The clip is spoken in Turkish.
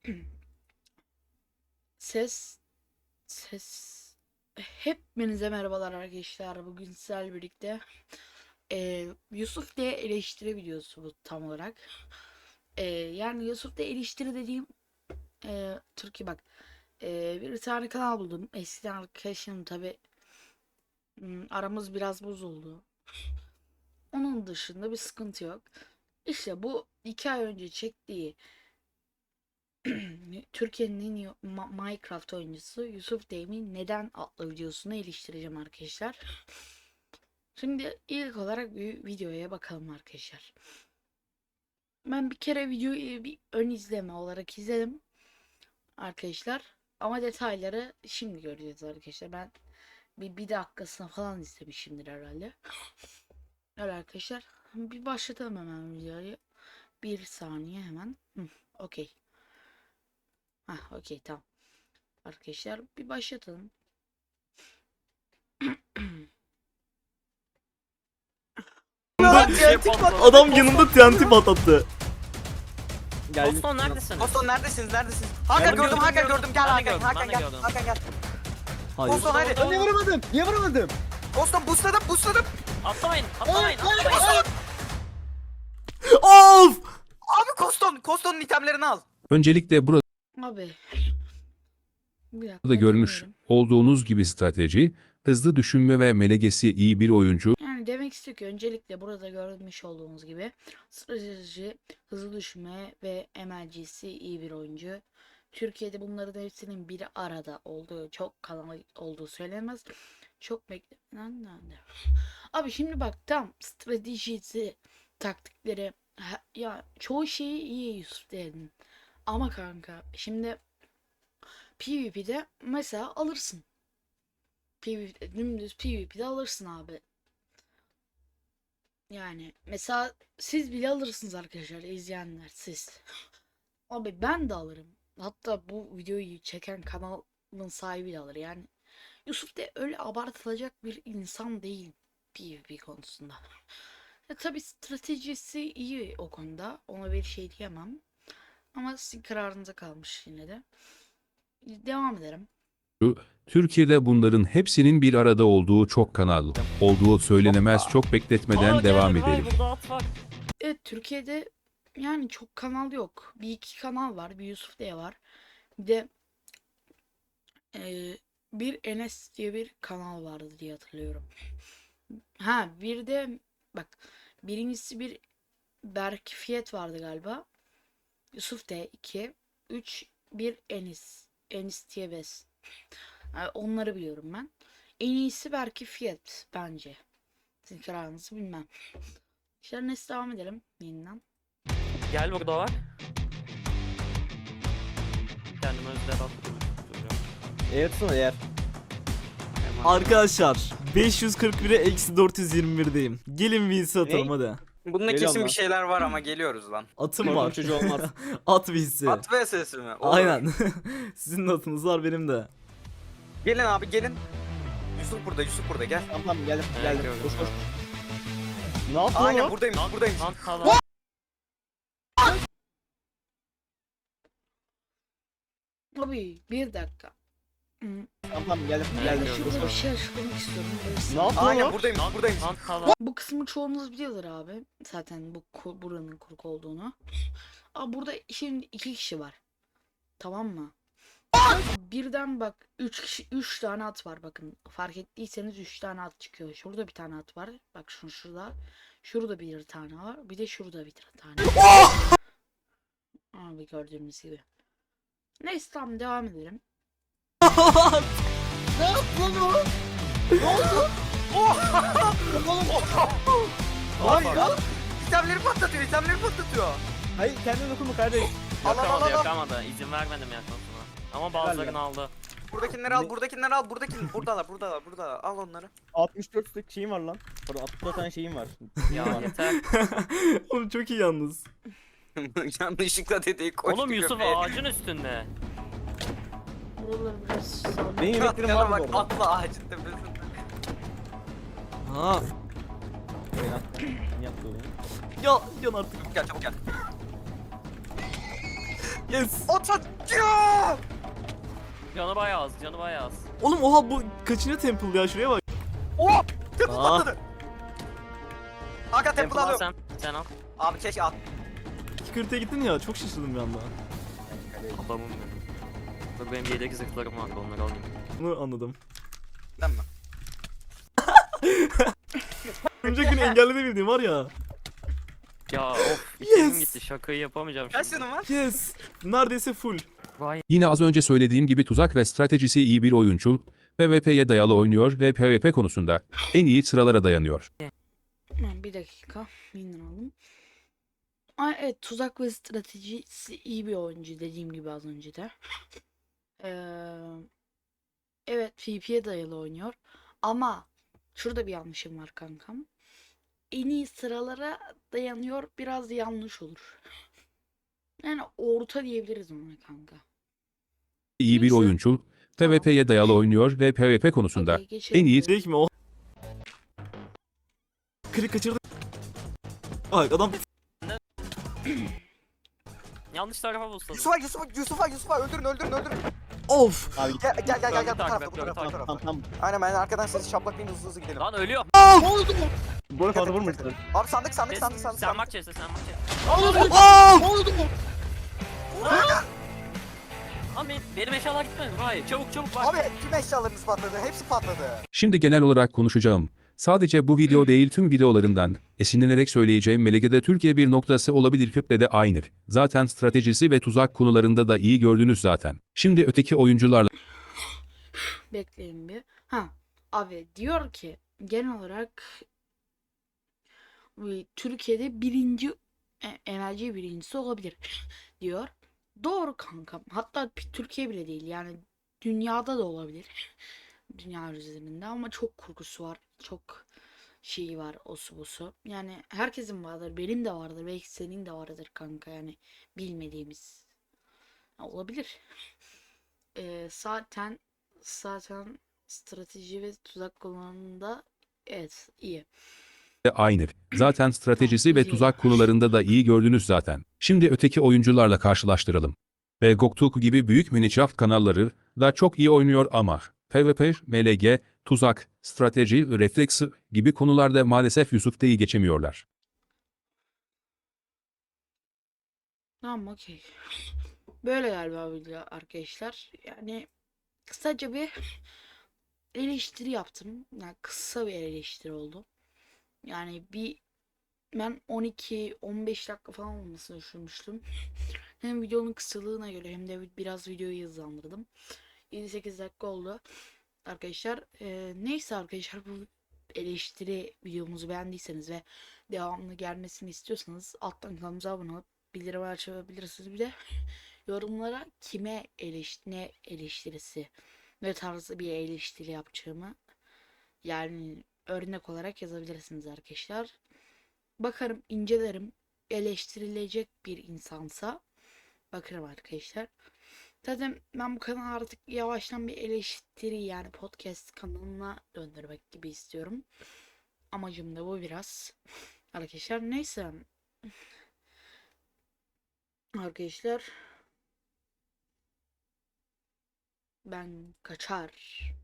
Ses ses hepinize merhabalar arkadaşlar. Bugün sizlerle birlikte Yusuf diye eleştiri videosu bu tam olarak. Yani Yusuf diye eleştiri dediğim Türkiye bak. Bir tane kanal buldum. Eskiden arkadaşım tabi aramız biraz bozuldu. Onun dışında bir sıkıntı yok. İşte bu 2 ay önce çektiği Türkiye'nin en iyi Minecraft oyuncusu Yusuf Deyim'in Neden adlı videosunu eleştireceğim arkadaşlar. Şimdi ilk olarak bir videoya bakalım arkadaşlar. Ben bir kere videoyu bir ön izleme olarak izledim arkadaşlar. Ama detayları şimdi göreceğiz arkadaşlar. Ben bir dakikasına falan izlemişimdir herhalde. Evet arkadaşlar. Bir başlatalım hemen videoyu. Bir saniye hemen. Okey. Okey tamam. Arkadaşlar bir başlatalım. Adam yanımda TNT patlattı. Boston neredesiniz? Boston neredesiniz? Hakan gördüm, Hakan gördüm. Gel Ben de Hakan, gördüm, Hakan ben de gel. gördüm. Hakan gel. Hayır. Boston hadi. Boston- Niye vuramadım? Niye vuramadım? Boston boostladım. Atlamayın, atlamayın, Boston. atlamayın. Of! Abi Koston'un itemlerini al. Öncelikle burada Abi. Bir dakika, da görmüş dinleyelim. olduğunuz gibi strateji, hızlı düşünme ve melegesi iyi bir oyuncu. Yani demek istiyor ki öncelikle burada görmüş olduğumuz gibi strateji, hızlı düşünme ve MLG'si iyi bir oyuncu. Türkiye'de bunların hepsinin bir arada olduğu, çok kanal olduğu söylenmez. Çok beklenen. Abi şimdi bak tam stratejisi, taktikleri ya çoğu şeyi iyi Yusuf dedin. Ama kanka şimdi PvP'de mesela alırsın. Dümdüz PvP'de alırsın abi. Yani mesela siz bile alırsınız arkadaşlar, izleyenler siz. Abi ben de alırım. Hatta bu videoyu çeken kanalın sahibi de alır. Yani Yusuf de öyle abartılacak bir insan değil PvP konusunda. Tabi stratejisi iyi o konuda. Ona bir şey diyemem. Ama sizin kararınıza kalmış yine de. Devam ederim. Türkiye'de bunların hepsinin bir arada olduğu çok kanal olduğu söylenemez. Çok bekletmeden Aa, devam gel, vay, edelim. burada at var. Evet, Türkiye'de yani çok kanal yok. Bir iki kanal var. Bir Yusuf diye var. Bir de bir Enes diye bir kanal vardı diye hatırlıyorum. Bir de bak, birincisi bir Berk Fiyat vardı galiba. Yusuf D 2 3 bir Enis. Enis Tiyebes. Yani onları biliyorum ben. En iyisi belki Fiyat bence. Sizin kararınızı bilmem. İşte neyse, devam edelim yeniden. Gel burada var. Kendime özel attım. Eğer tutsana eğer. Arkadaşlar 541'e eksi 421'deyim. Gelin Vinci atalım hadi. Bunda Geliyorum kesin lan. bir şeyler var ama geliyoruz lan. Atım Korkunç var. çocuğu olmaz. At Vinci. At ve sesi mi? Olur. Aynen. Sizin de atınız var, benim de. Gelin abi gelin. Yusuf burada gel. Tamam geldim geldim. gördüm, Koş koş. gördüm. Ne yaptın Aynen oğlum? buradayım. Lan falan. Abi bir dakika. Tamam geldim Evet, geldim. gördüm. Koş Şurada bir koş. şey açıklamak istiyorum. Ne yaptın Aynen oğlum? buradayım. Lan falan. Bu kısmı çoğunuz biliyorlar abi. Zaten buranın kurgu olduğunu. Abi burada şimdi 2 kişi var. Tamam mı? Birden bak 3 tane at var, bakın. Fark ettiyseniz 3 tane at çıkıyor. Şurada bir tane at var. Bak şurada. Şurada bir tane var. Bir de şurada bir tane. Abi gördüğünüz gibi. Neyse tamam, devam edelim. Vay ya. İtemleri patlatıyor. Hayır kendine dokunma kardeş. Al. Yakamadı. İzin vermedim yakmasına. Ama bazılarını aldı. Buradakileri al. Buradalar. Al onları. 64 stack şeyim var lan. Pardon 64 tane şeyim var. Ya yeter. Oğlum çok iyi yalnız. Yanlışlıkla dediği koştu. Oğlum Yusuf köpeğe. ağacın üstünde. Buraları biraz sallayayım. Benim yemeklerim var Bak mı orada? atla ağacın tepesinde. Ha. Öyle lan. Niye yaptı oğlum? Ya yan artık. Çabuk gel. Yes. 30. Ya! Canı bayağı az, canı bayağı az. Oğlum oha bu kaçıncı temple ya, şuraya bak. Oh! Temple Aa. patladı. Hakan temple Temple al alıyorum. sen al. Abi keşke at. 2.40'a gittin ya, çok şaşırdım bir anda. Adamım benim. Dur benim yedek zırhlarım vardı, onları alayım. Bunu anladım. Değil mi? Örümcek beni engelleyebildiğim var ya. Ya of, içerim Yes. gitti, şakayı yapamayacağım Kaç şimdi. canın var? Yes. Neredeyse full. Vay. Yine az önce söylediğim gibi tuzak ve stratejisi iyi bir oyuncu, PvP'ye dayalı oynuyor ve PvP konusunda en iyi sıralara dayanıyor. Hemen bir dakika. Winner aldım. Ay, evet, tuzak ve stratejisi iyi bir oyuncu dediğim gibi az önce de. Evet, PvP'ye dayalı oynuyor. Ama şurada bir yanlışım var kankam. En iyi sıralara dayanıyor, biraz yanlış olur. Yani orta diyebiliriz ona kanka. İyi bir Neyse. oyuncu, PvP'ye dayalı oynuyor ve PvP konusunda Okey, geçelim en iyi buraya. Değil mi o? Krik kaçırdı. Ay adam Yanlış tarafa bulsadım. Yusuf'a öldürün. of. Abi Gel bu Takip tarafta et, bu takip tarafta. tamam tamam. Aynen ben arkadan sizi şaplaklayın hızlı gidelim. Lan ölüyor. Bu arada fazla vurmamışlar. Abi sandık. Sen bak chest'e, sen bak chest'e. Lan benim eşyalar gitmedi. Hayır, çabuk bak. Abi tüm eşyalarınız patladı. Hepsi patladı. Şimdi genel olarak konuşacağım. Sadece bu video değil tüm videolarımdan esinlenerek söyleyeceğim Melege'de Türkiye bir noktası olabilir Küple de aynı. Zaten stratejisi ve tuzak konularında da iyi gördünüz zaten. Şimdi öteki oyuncularla Bekleyin bir. Ha, abi diyor ki genel olarak Türkiye'de birinci enerji birincisi olabilir diyor. Doğru kankam. Hatta Türkiye bile değil, yani dünyada da olabilir. Dünya üzerinde ama çok kurgusu var. Çok şeyi var, osu busu. Yani herkesin vardır. Benim de vardır. Belki senin de vardır kanka, yani bilmediğimiz. Olabilir. Zaten strateji ve tuzak kullanımında evet iyi. aynı. Zaten stratejisi ve güzel. tuzak konularında da iyi gördünüz zaten. Şimdi öteki oyuncularla karşılaştıralım. Ve Goktuk gibi büyük Minecraft kanalları da çok iyi oynuyor ama PvP, MLG, tuzak, strateji, refleks gibi konularda maalesef Yusuf'teyi geçemiyorlar. Tamam, okey. Böyle galiba video arkadaşlar. Yani kısaca bir eleştiri yaptım. Yani kısa bir eleştiri oldu. Yani ben 12-15 dakika falan olmasını düşünmüştüm. Hem videonun kısalığına göre hem de biraz videoyu hızlandırdım. 7-8 dakika oldu arkadaşlar. Neyse arkadaşlar, bu eleştiri videomuzu beğendiyseniz ve devamlı gelmesini istiyorsanız alttan kanalımıza abone olup bildirim açabilirsiniz. Bir de yorumlara ne eleştirisi, ne tarzı bir eleştiri yapacağımı, yani örnek olarak yazabilirsiniz arkadaşlar. Bakarım, incelerim. Eleştirilecek bir insansa bakarım arkadaşlar. Zaten ben bu kanalı artık yavaştan bir eleştiri, yani podcast kanalına döndürmek gibi istiyorum. Amacım da bu biraz. Arkadaşlar neyse. Arkadaşlar ben kaçar.